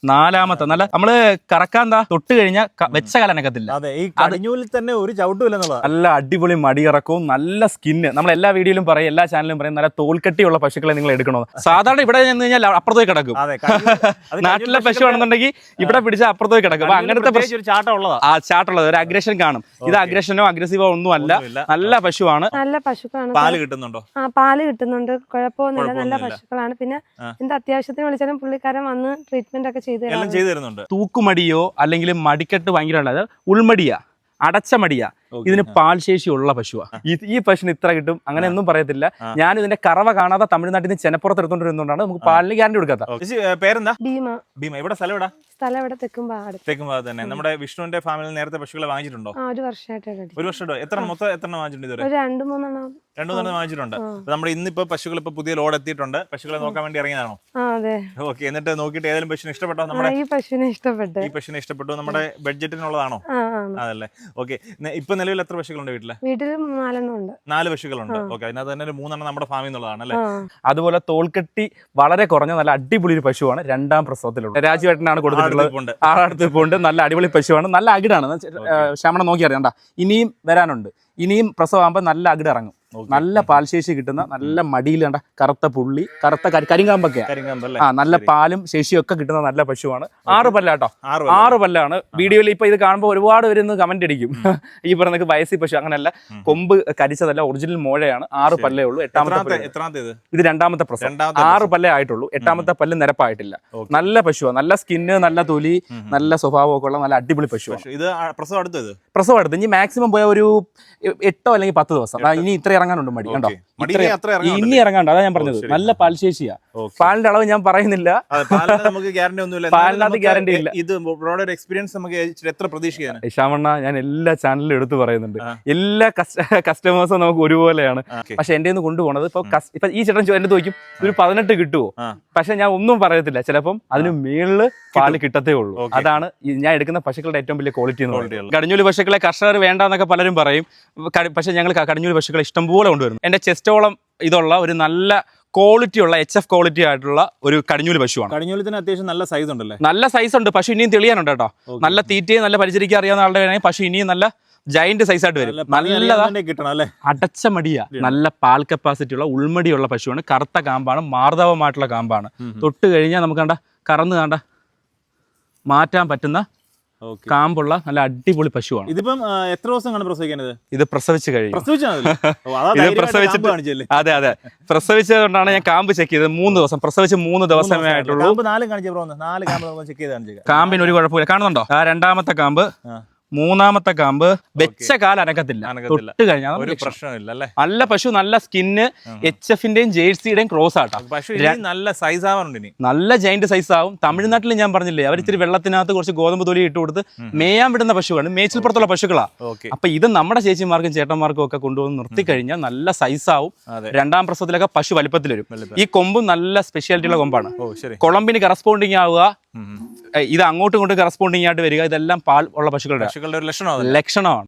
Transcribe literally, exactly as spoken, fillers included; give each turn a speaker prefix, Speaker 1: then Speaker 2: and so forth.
Speaker 1: നാലാമത്തെ നല്ല നമ്മള് കറക്കാൻ എന്താ തൊട്ട് കഴിഞ്ഞാൽ വെച്ച കാലനക്കത്തില്ല.
Speaker 2: അതെ, ഈ കടിഞ്ഞൂലിൽ തന്നെ ഒരു ചവിട്ടുമില്ലെന്നുള്ളത്.
Speaker 1: നല്ല അടിപൊളി മടിയിറക്കവും നല്ല സ്കിന്ന്. നമ്മൾ എല്ലാ വീഡിയോയിലും പറയും, എല്ലാ ചാനലും പറയും നല്ല തോൽക്കട്ടിയുള്ള പശുക്കളെ നിങ്ങൾ എടുക്കണോ. സാധാരണ ഇവിടെ നിന്ന് കഴിഞ്ഞാൽ അപ്പുറത്തേക്ക് കിടക്കും. നാട്ടിലെ പശു ആണെന്നുണ്ടെങ്കിൽ ഇവിടെ പിടിച്ച അപ്പുറത്തേക്ക് കിടക്കും. അപ്പൊ അങ്ങനത്തെ ആ ചാട്ടുള്ളത് ഒരു അഗ്രഷൻ കാണും. ഇത് അഗ്രഷനോ അഗ്രസീവോ ഒന്നും അല്ല, നല്ല പശുവാണ്.
Speaker 3: നല്ല പശുക്കളാണ്.
Speaker 2: പാല് കിട്ടുന്നുണ്ടോ?
Speaker 3: ആ പാല് കിട്ടുന്നുണ്ട്, കുഴപ്പമൊന്നുമില്ല. നല്ല പശുക്കളാണ്. പിന്നെ എന്ത് അത്യാവശ്യത്തിന് വിളിച്ചാലും പുള്ളിക്കാരൻ വന്ന് ട്രീറ്റ്മെന്റ് ഒക്കെ ചെയ്ത്
Speaker 2: തരുന്നുണ്ട്.
Speaker 1: തൂക്കുമടിയോ അല്ലെങ്കിൽ മടിക്കെട്ട് ഭയങ്കര ഉള്ളത് ഉൾമടിയാ, അടച്ച മടിയാ. ഇതിന് പാൽശേഷിയുള്ള പശുവാ. ഈ പശുവിന് ഇത്ര കിട്ടും അങ്ങനെ ഒന്നും പറയത്തില്ല. ഞാൻ ഇതിന്റെ കറവ കാണാതെ തമിഴ്നാട്ടിൽ നിന്ന് ചെനപ്പുറത്ത് എടുത്തോണ്ട് വരുന്നതുകൊണ്ടാണ് നമുക്ക് പാലിന് ഗ്യാരണ്ടി കൊടുക്കാത്ത.
Speaker 2: പേരെന്താ?
Speaker 3: ഭീമ.
Speaker 2: ഭീമ. ഇവിടെ സ്ഥലം എവിടെ?
Speaker 3: സ്ഥലം ഇവിടെ തെക്കുംപാട്.
Speaker 2: തെക്കുംപാട് തന്നെ. നമ്മുടെ വിഷ്ണുവിന്റെ ഫാമിലിയിൽ നേരത്തെ പശുക്കളെ വാങ്ങിച്ചിട്ടുണ്ടോ?
Speaker 3: ഒരു വർഷമായിട്ട്.
Speaker 2: ഒരു വർഷം. എത്ര മൊത്തം എത്ര വാങ്ങിച്ചിട്ടുണ്ട്?
Speaker 3: രണ്ടു മൂന്നെണ്ണം
Speaker 2: രണ്ടു മൂന്നെണ്ണം വാങ്ങിച്ചിട്ടുണ്ട്. നമ്മുടെ ഇന്നിപ്പോ പശുക്കൾ ഇപ്പൊ പുതിയ ലോഡ് എത്തിയിട്ടുണ്ട്. പശുക്കളെ നോക്കാൻ വേണ്ടി ഇറങ്ങിയതാണോ?
Speaker 3: അതെ.
Speaker 2: ഓക്കെ. എന്നിട്ട് നോക്കിയിട്ട് ഏതെങ്കിലും പശുവിനെ ഇഷ്ടപ്പെട്ടോ? നമ്മുടെ
Speaker 3: ഈ പശുവിനെ ഇഷ്ടപ്പെട്ടു.
Speaker 2: ഈ പശുവിനെ ഇഷ്ടപ്പെട്ടു. നമ്മുടെ ബഡ്ജറ്റിനുള്ളതാണോ? അതല്ലേ. ഓക്കെ. ഇപ്പൊ നിലവിൽ എത്ര പശുക്കളുണ്ട് വീട്ടില്?
Speaker 3: വീട്ടിൽ നാലെണ്ണം ഉണ്ട്.
Speaker 2: നാല് പശുക്കളുണ്ട്. ഓക്കെ. അതിനകത്ത് തന്നെ ഒരു മൂന്നെണ്ണം നമ്മുടെ ഫാമിൽ നിന്നുള്ളതാണ് അല്ലേ?
Speaker 1: അതുപോലെ തോൽക്കട്ടി വളരെ കുറഞ്ഞ നല്ല അടിപൊളി ഒരു പശുവാണ്. രണ്ടാം പ്രസവത്തിലുള്ള രാജുവേട്ടനാണ് കൊടുത്തിട്ടുള്ളത്. ആളടുത്ത് പോണ്ട്. നല്ല അടിപൊളി പശുവാണ്. നല്ല അകിടാണ്. ശമണം നോക്കി അറിയണ്ട. ഇനിയും വരാനുണ്ട്. ഇനിയും പ്രസവമാകുമ്പോൾ നല്ല അകിട് ഇറങ്ങും. നല്ല പാൽശേഷി കിട്ടുന്ന നല്ല മടിയിൽ കണ്ട കറുത്ത പുള്ളി, കറുത്ത കരിങ്കാമ്പൊക്കെ ആ നല്ല പാലും ശേഷിയും ഒക്കെ കിട്ടുന്ന നല്ല പശുവാണ്. ആറ് പല്ലാട്ടോ, ആറ് പല്ലാണ്. വീഡിയോയിൽ ഇപ്പൊ ഇത് കാണുമ്പോൾ ഒരുപാട് പേര് ഇന്ന് കമന്റ് അടിക്കും ഈ പറഞ്ഞ വയസ്സി പശു. അങ്ങനെയല്ല, കൊമ്പ് കരിച്ചതല്ല, ഒറിജിനൽ മോഴയാണ്. ആറ് പല്ലേ ഉള്ളൂ. എട്ടാമത്തെ ഇത് രണ്ടാമത്തെ പ്രസവം. ആറ് പല്ലേ ആയിട്ടുള്ളൂ. എട്ടാമത്തെ പല്ല് നിരപ്പായിട്ടില്ല. നല്ല പശുവാണ്. നല്ല സ്കിന്ന്, നല്ല തൊലി, നല്ല സ്വഭാവം ഒക്കെ ഉള്ള നല്ല അടിപൊളി പശുവാണ്.
Speaker 2: ഇത് പ്രസവം അടുത്തത്
Speaker 1: പ്രസവം അടുത്ത് ഇനി മാക്സിമം പോയ ഒരു എട്ടോ അല്ലെങ്കിൽ പത്ത് ദിവസം. ഇനി ഇത്ര ഇറങ്ങാനുണ്ട് മടി. കണ്ടോ, ഇനി ഇറങ്ങാണ്ട്. അതാ ഞാൻ പറഞ്ഞത്. നല്ല പാൽശേഷിയാ. പാലിന്റെ അളവ് ഞാൻ പറയുന്നില്ല, പാലിനകത്ത് ഗ്യാരണ്ടി ഇല്ല.
Speaker 2: ഇത് എക്സ്പീരിയൻസ് നമുക്ക് എത്ര പ്രതീക്ഷിക്കാൻ?
Speaker 1: ശ്യാമണ്ണ, ഞാൻ എല്ലാ ചാനലിലും എടുത്തു പറയുന്നുണ്ട്, എല്ലാ കസ്റ്റമേഴ്സും നമുക്ക് ഒരുപോലെയാണ്. പക്ഷെ എന്റെ നിന്ന് കൊണ്ടുപോകണത് ഇപ്പൊ ഇപ്പൊ ഈ ചേട്ടൻ എന്റെ ചോദിക്കും ഒരു പതിനെട്ട് കിട്ടുമോ? പക്ഷെ ഞാൻ ഒന്നും പറയത്തില്ല. ചിലപ്പം അതിന് മേളില് പാല് കിട്ടത്തേ ഉള്ളൂ. അതാണ് ഞാൻ എടുക്കുന്ന പശുക്കളുടെ ഏറ്റവും വലിയ ക്വാളിറ്റി എന്ന് പറയുന്നത്. കടിഞ്ഞൂല് പശുക്കളെ കർഷകർ വേണ്ടെന്നൊക്കെ പലരും പറയും. പക്ഷെ ഞങ്ങൾ കടിഞ്ഞൂല് പശുക്കളെ ഇഷ്ടംപോലെ കൊണ്ടുവരുന്നു. എന്റെ ചെസ്റ്റോളം ഇതുള്ള ഒരു നല്ല ക്വാളിറ്റി ഉള്ള എച്ച് എഫ് ക്വാളിറ്റി ആയിട്ടുള്ള ഒരു കടിഞ്ഞൂല് പശുവാണ്.
Speaker 2: കടിഞ്ഞൂലത്തിന് അത്യാവശ്യം നല്ല സൈസ് ഉണ്ടല്ലേ?
Speaker 1: നല്ല സൈസ് ഉണ്ട്. പശു ഇനിയും തെളിയാനുണ്ട് കേട്ടോ. നല്ല തീറ്റയും നല്ല പരിചരിക്കാൻ അറിയാവുന്ന ആളുടെ വേണമെങ്കിൽ പശു ഇനിയും നല്ല ജയന്റ് സൈസ് ആയിട്ട് വരും. നല്ലതാ, അടച്ച മടിയാ, നല്ല പാൽ കപ്പാസിറ്റി ഉള്ള ഉൾമടിയുള്ള പശുവാണ്. കറുത്ത കാമ്പാണ്, മാർദ്ദവമായിട്ടുള്ള കാമ്പാണ്. തൊട്ട് കഴിഞ്ഞാൽ നമുക്ക് കണ്ട കറന്ന് കണ്ട മാറ്റാൻ പറ്റുന്ന കാമ്പുള്ള നല്ല അടിപൊളി പശുവാണ്.
Speaker 2: ഇതിപ്പം എത്ര ദിവസം കാണും പ്രസവിക്കുന്നത്?
Speaker 1: ഇത് പ്രസവിച്ച് കഴിയും.
Speaker 2: ഇത് പ്രസവിച്ചിട്ട്
Speaker 1: അതെ അതെ പ്രസവിച്ചതുകൊണ്ടാണ് ഞാൻ കാമ്പ് ചെക്ക് ചെയ്തത്. മൂന്ന് ദിവസം പ്രസവിച്ച് മൂന്ന് ദിവസമേ ആയിട്ടുള്ളൂ. കാമ്പിന് ഒരു കുഴപ്പമില്ല. കാണുന്നുണ്ടോ ആ രണ്ടാമത്തെ കാമ്പ്? മൂന്നാമത്തെ കാമ്പ് വെച്ച കാല അനക്കത്തില്ല. തൊട്ട് കഴിഞ്ഞാൽ
Speaker 2: ഒരു പ്രശ്നമില്ല.
Speaker 1: നല്ല പശു, നല്ല സ്കിന്ന്, എച്ച് എഫിന്റെയും ജേഴ്സിയുടെയും ക്രോസ് ആട്ടോ.
Speaker 2: നല്ല സൈസ് ആവാറുണ്ട്.
Speaker 1: നല്ല ജൈന്റ് സൈസ് ആവും. തമിഴ്നാട്ടിൽ ഞാൻ പറഞ്ഞില്ലേ, അവർ ഇത്തിരി വെള്ളത്തിനകത്ത് കുറച്ച് ഗോതമ്പ് തൊലി ഇട്ട് കൊടുത്ത് മേയാൻ വിടുന്ന പശുവാണ്. മേച്ചിൽപ്പുറത്തുള്ള പശുക്കളാ. അപ്പൊ ഇത് നമ്മുടെ ചേച്ചിമാർക്കും ചേട്ടന്മാർക്കും ഒക്കെ കൊണ്ടുവന്ന് നിർത്തി കഴിഞ്ഞാൽ നല്ല സൈസ് ആവും. രണ്ടാം പ്രസവത്തിലൊക്കെ പശു വലിപ്പത്തിൽ വരും. ഈ കൊമ്പും നല്ല സ്പെഷ്യാലിറ്റി ഉള്ള കൊമ്പാണ്. കൊളമ്പിന് കറസ്പോണ്ടിങ് ആവുക, ഇത് അങ്ങോട്ടും ഇങ്ങോട്ടും കറസ്പോണ്ടിങ് ആയിട്ട് വരിക, ഇതെല്ലാം പാൽ ഉള്ള പശുക്കളുടെ ലക്ഷണമാണ്.